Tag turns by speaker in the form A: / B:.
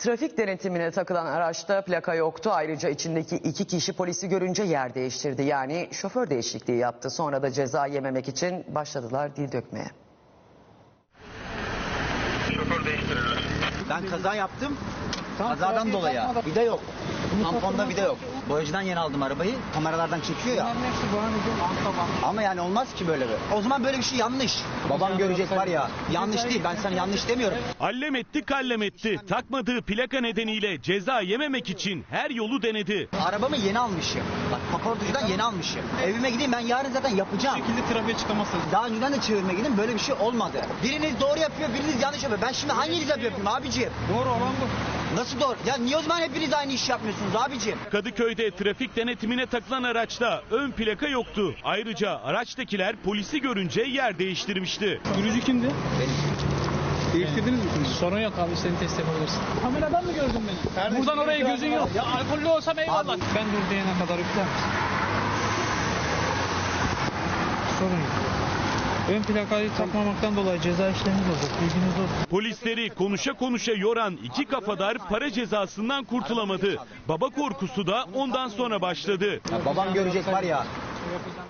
A: Trafik denetimine takılan araçta plaka yoktu. Ayrıca içindeki 2 kişi polisi görünce yer değiştirdi. Yani şoför değişikliği yaptı. Sonra da ceza yememek için başladılar dil dökmeye.
B: Şoför değiştirirler.
C: Ben kaza yaptım. Kazadan dolayı. Vida yok. Tamponda vida yok. Boyacıdan yeni aldım arabayı. Kameralardan çekiyor ya. Ama yani olmaz ki böyle bir. O zaman böyle bir şey yanlış. Babam görecek var ya. Yanlış değil. Ben sana yanlış demiyorum.
D: Allem etti kallem etti. Takmadığı plaka nedeniyle ceza yememek için her yolu denedi.
C: Arabamı yeni almışım. Bak kaportacıdan yeni almışım. Evime gideyim, ben yarın zaten yapacağım.
B: Bu şekilde trafiğe çıkamazsınız.
C: Daha önceden de çevirme gidin, böyle bir şey olmadı. Biriniz doğru yapıyor, biriniz yanlış yapıyor. Ben şimdi hanginiz yapıyorum abiciğim?
B: Doğru olan bu.
C: Nasıl doğru? Ya niye o zaman hepiniz aynı iş yapmıyorsunuz abiciğim?
D: Kadıköy'de trafik denetimine takılan araçta ön plaka yoktu. Ayrıca araçtakiler polisi görünce yer değiştirmişti.
B: Sürücü kimdi?
C: Benim.
B: Değiştirdiniz mi?
E: Sorun yok abi, seni test yapabilirsin. Kameradan mı gördün beni?
B: Kardeşim,
E: Buradan oraya
B: biraz
E: gözün
B: daha-
E: yok. Ya alkollü olsam eyvallah.
C: Abi-
E: Ben dur diyene kadar yükler misin? Sorun yok. Ön plakayı takmamaktan dolayı ceza işlemimiz olacak. Bilginiz olsun.
D: Polisleri konuşa konuşa yoran iki kafadar para cezasından kurtulamadı. Baba korkusu da ondan sonra başladı.
C: Ya babam görecek var ya.